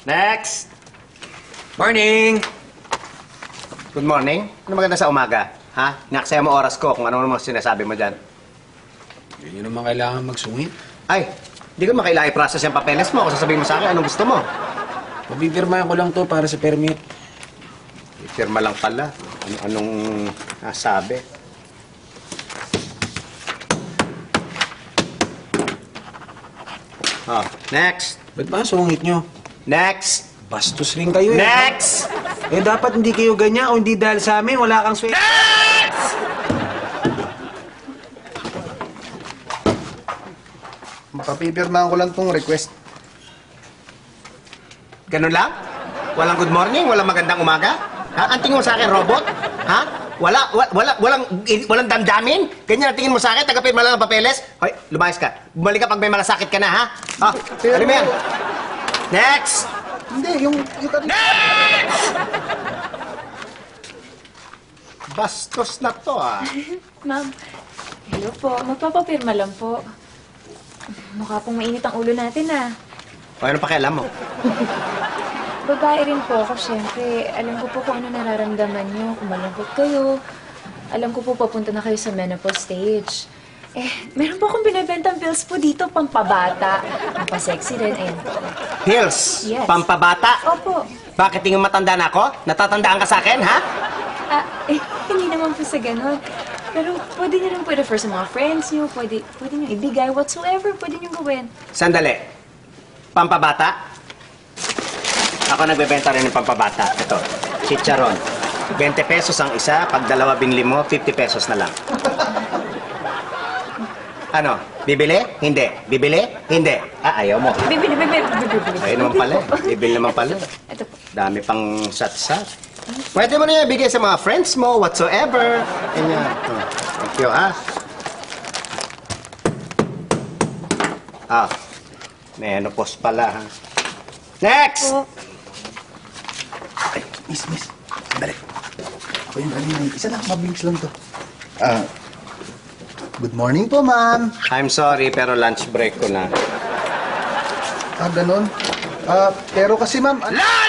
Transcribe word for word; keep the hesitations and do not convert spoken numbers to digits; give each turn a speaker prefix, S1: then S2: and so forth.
S1: Next! Morning! Good morning. Ano maganda sa umaga? Ha? Inaksaya mo oras ko kung ano naman sinasabi mo dyan.
S2: Hindi nyo naman kailangan magsungit.
S1: Ay, hindi ko makailangan i-process yung papeles mo. Kung sasabihin mo sa akin, anong gusto mo?
S2: Pabibirmahan ko lang to para sa permit.
S1: I-firma lang pala. Ano, anong nasabi? Oh, next!
S2: Ba't ba sungit nyo?
S1: Next!
S2: Bastos rin kayo eh.
S1: Next!
S2: Eh dapat hindi kayo ganyan o hindi dahil sa amin, wala kang swerte.
S1: Next!
S3: Papipirmahan ko lang tong request.
S1: Ganun lang? Walang good morning? Walang magandang umaga? Ha? Ang tingin mo sa akin, robot? Ha? Wala, wala, wala walang, walang damdamin? Ganyan ang tingin mo sa akin? Tagapin mo lang ang papeles? Hoy, lumayas ka. Bumalik ka pag may malasakit ka na, ha? Ha?
S3: Pero-
S1: Ano mo yan? Next!
S3: Hindi, yung... yung
S1: Next! Bastos na to, ah.
S4: Ma'am, hello po. Magpapapirma lang po. Mukha pong mainit ang ulo natin, ah.
S1: O, ano pakialam mo?
S4: Babae rin po ako, syempre. Alam ko po kung ano nararamdaman niyo, kung malungkot kayo. Alam ko po papunta na kayo sa menopause stage. Eh, meron po akong binibentang pills po dito, pampabata. Pampasexy rin, ayun po.
S1: Pills?
S4: Yes.
S1: Pampabata?
S4: Opo.
S1: Bakit tingin matanda na ako? Natatandaan ka sa akin, ha?
S4: Ah, eh, hindi naman po sa ganun. Pero pwede niyo lang po i-refer sa mga friends niyo, pwede, pwede niyo ibigay whatsoever, pwede niyo gawin.
S1: Sandali. Pampabata? Ako nagbebenta rin ng pampabata. Ito, chicharon. twenty pesos ang isa, pag dalawa binili mo, fifty pesos na lang. Ano? Bibili? Hindi. Bibili? Hindi. Ah, ayaw mo.
S4: Bibili, bibili, bibili, bibili.
S1: Ayun naman pala. eh. Bibili naman pala.
S4: Ito po.
S1: Dami pang sat-sat. Pwede mo na yan bigay sa mga friends mo, whatsoever. Ganyan. Oh, thank you, ah. Ah, menopause pala, ha. Next!
S4: Po.
S3: Ay, miss, miss. Sandali. Ako yung kanina. Isa lang, mabilis lang to. Ah, good morning po, ma'am.
S1: I'm sorry, pero lunch break ko na.
S3: Ah, ganun. Ah, pero kasi, ma'am... ah,
S1: Lunch